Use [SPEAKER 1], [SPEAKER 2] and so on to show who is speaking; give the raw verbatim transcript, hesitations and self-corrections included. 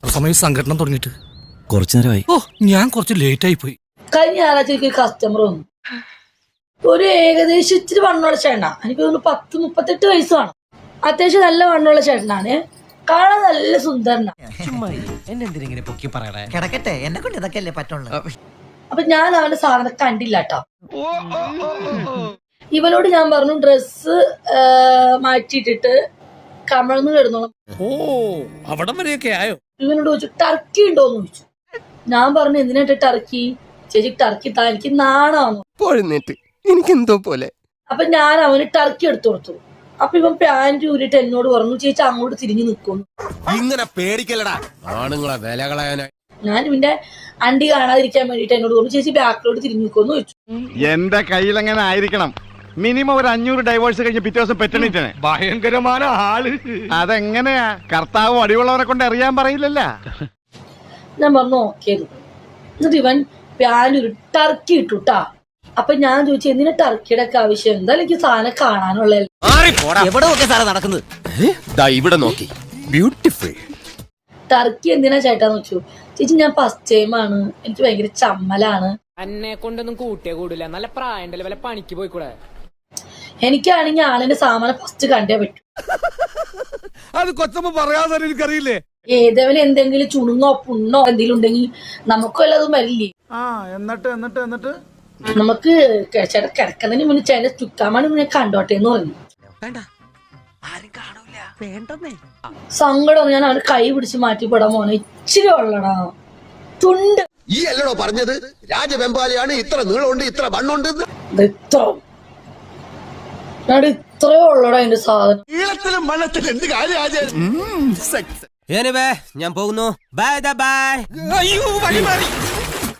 [SPEAKER 1] സമയം സംഘടന തുടങ്ങിയിട്ട്
[SPEAKER 2] കുറച്ചു നേരമായി.
[SPEAKER 1] ഓ ഞാൻ കുറച്ച് ലേറ്റ് ആയി പോയി.
[SPEAKER 3] കഴിഞ്ഞ ഞായറാഴ്ച എനിക്ക് കസ്റ്റമർ വന്നു. ഒരു ഏകദേശം ഇച്ചിരി വണ്ണമുള്ള ചേട്ടനാ. എനിക്ക് തോന്നുന്നു പത്ത് മുപ്പത്തെട്ട് വയസ്സ് കാണും. അത്യാവശ്യം നല്ല വണ്ണമുള്ള ചേട്ടനാണ്. കാണാൻ നല്ല സുന്ദരനാ.
[SPEAKER 4] കിടക്കട്ടെ, എന്നെ കൊണ്ട് ഇതൊക്കെയല്ലേ പറ്റുള്ളൂ.
[SPEAKER 3] അപ്പൊ ഞാൻ അവന്റെ സാധനം കണ്ടില്ല കേട്ടോ. ഇവനോട് ഞാൻ പറഞ്ഞു ഡ്രസ്സ് മാറ്റിയിട്ടിട്ട് കമഴ്ന്ന് കിടന്നോളാം.
[SPEAKER 1] ഓ അവിടം വരെയൊക്കെ ആയോ?
[SPEAKER 3] ഇവനോട് ചോദിച്ചു ടർക്കി ഉണ്ടോന്ന് ചോദിച്ചു. ഞാൻ പറഞ്ഞു എന്തിനായിട്ട് ടർക്കി? ചേച്ചി ടർക്കി താ, എനിക്ക് നാണാന്നു.
[SPEAKER 2] എനിക്കെന്തോ പോലെ.
[SPEAKER 3] അപ്പൊ ഞാൻ അവന് ടർക്കി എടുത്തു കൊടുത്തു. അപ്പൊ ഇവൻ പാന്റ് ഊരിട്ട് എന്നോട് പറഞ്ഞു ചേച്ചി അങ്ങോട്ട് തിരിഞ്ഞു നിൽക്കുന്നു.
[SPEAKER 2] ഇങ്ങനെ പേടിക്കലടാ ആണുങ്ങളെ വില കളയാനായി.
[SPEAKER 3] ഞാൻ ഇവന്റെ അണ്ടി കാണാതിരിക്കാൻ വേണ്ടിട്ട് എന്നോട് പറഞ്ഞു ചേച്ചി ബാക്കിലോട്ട് തിരിഞ്ഞു നിൽക്കുമെന്ന് ചോദിച്ചു.
[SPEAKER 5] എന്റെ കയ്യിൽ എങ്ങനെ ആയിരിക്കണം? മിനിമം ഒരു അഞ്ഞൂറ് ഡൈവേഴ്സ് കഴിഞ്ഞ് പിറ്റേ ദിവസം പെറ്റണിട്ടാണ്.
[SPEAKER 1] ഭയങ്കരമായ ആള്.
[SPEAKER 5] അതെങ്ങനെയാ? കർത്താവ് അടിയുള്ളവരെ കൊണ്ട് അറിയാൻ പറയില്ലല്ല.
[SPEAKER 3] ഞാൻ പറഞ്ഞു ഓക്കെ. എന്നിട്ട് ഇവൻ പാന്റ് ഒരു ടർക്കി ഇട്ടുട്ടാ. അപ്പൊ ഞാൻ ചോദിച്ചു എന്തിനാ ടർക്കിയുടെ ഒക്കെ ആവശ്യം? എന്തായാലും എനിക്ക് സാധനം കാണാനുള്ള
[SPEAKER 2] എവിടെ നോക്കിയ സാധനം നടക്കുന്നത്? ഇവിടെ നോക്കി ബ്യൂട്ടിഫുൾ.
[SPEAKER 3] ടർക്കി എന്തിനാ ചേട്ടാന്ന് വെച്ചു. ചേച്ചി ഞാൻ ഫസ്റ്റ് ടൈം ആണ്, എനിക്ക് ഭയങ്കര ചമ്മലാണ്.
[SPEAKER 6] എന്നെ കൊണ്ടൊന്നും കൂട്ടിയേ കൂടില്ല. നല്ല പ്രായണ്ടല്ലേ, വല്ല പണിക്ക് പോയിക്കൂടെ?
[SPEAKER 3] എനിക്കാണെങ്കിൽ ആളിന്റെ സാമാനം ഫസ്റ്റ് കണ്ടേ പറ്റൂ.
[SPEAKER 1] അത് കൊച്ചമ്മ പറയാതെ എനിക്കറിയില്ലേ.
[SPEAKER 3] ഏതേവന് എന്തെങ്കിലും ചുണുങ്ങോ പുണ്ണോ എന്തെങ്കിലും ഉണ്ടെങ്കിൽ നമുക്കും എല്ലാതും വരില്ലേ.
[SPEAKER 5] എന്നിട്ട് എന്നിട്ട് എന്നിട്ട്
[SPEAKER 3] നമുക്ക് ചേട്ടാ കിടക്കുന്നതിന് മുന്നേ ചേട്ടൻ ചുക്കാമാണ് മുന്നേ കണ്ടോട്ടെ എന്ന് പറഞ്ഞു. സങ്കടം ഞാൻ അവന് കൈ പിടിച്ച് മാറ്റിപ്പെടാൻ പോണെ. ഇച്ചിരി ഉള്ളടാ തുണ്ട്.
[SPEAKER 7] ഈ അല്ലടോ പറഞ്ഞത് രാജവെമ്പാലയാണ് ഇത്ര നീളമുണ്ട് ഇത്ര വണ്ണുണ്ട്.
[SPEAKER 3] ഇത്ര ഇത്രയോ ഉള്ളടാ എന്റെ സാധനം.
[SPEAKER 7] നീളത്തിലും വണ്ണത്തിലും എന്ത് കാര്യം?
[SPEAKER 2] ഞാൻ പോകുന്നു. Bye bye.
[SPEAKER 1] അയ്യോ വഴി മാറി.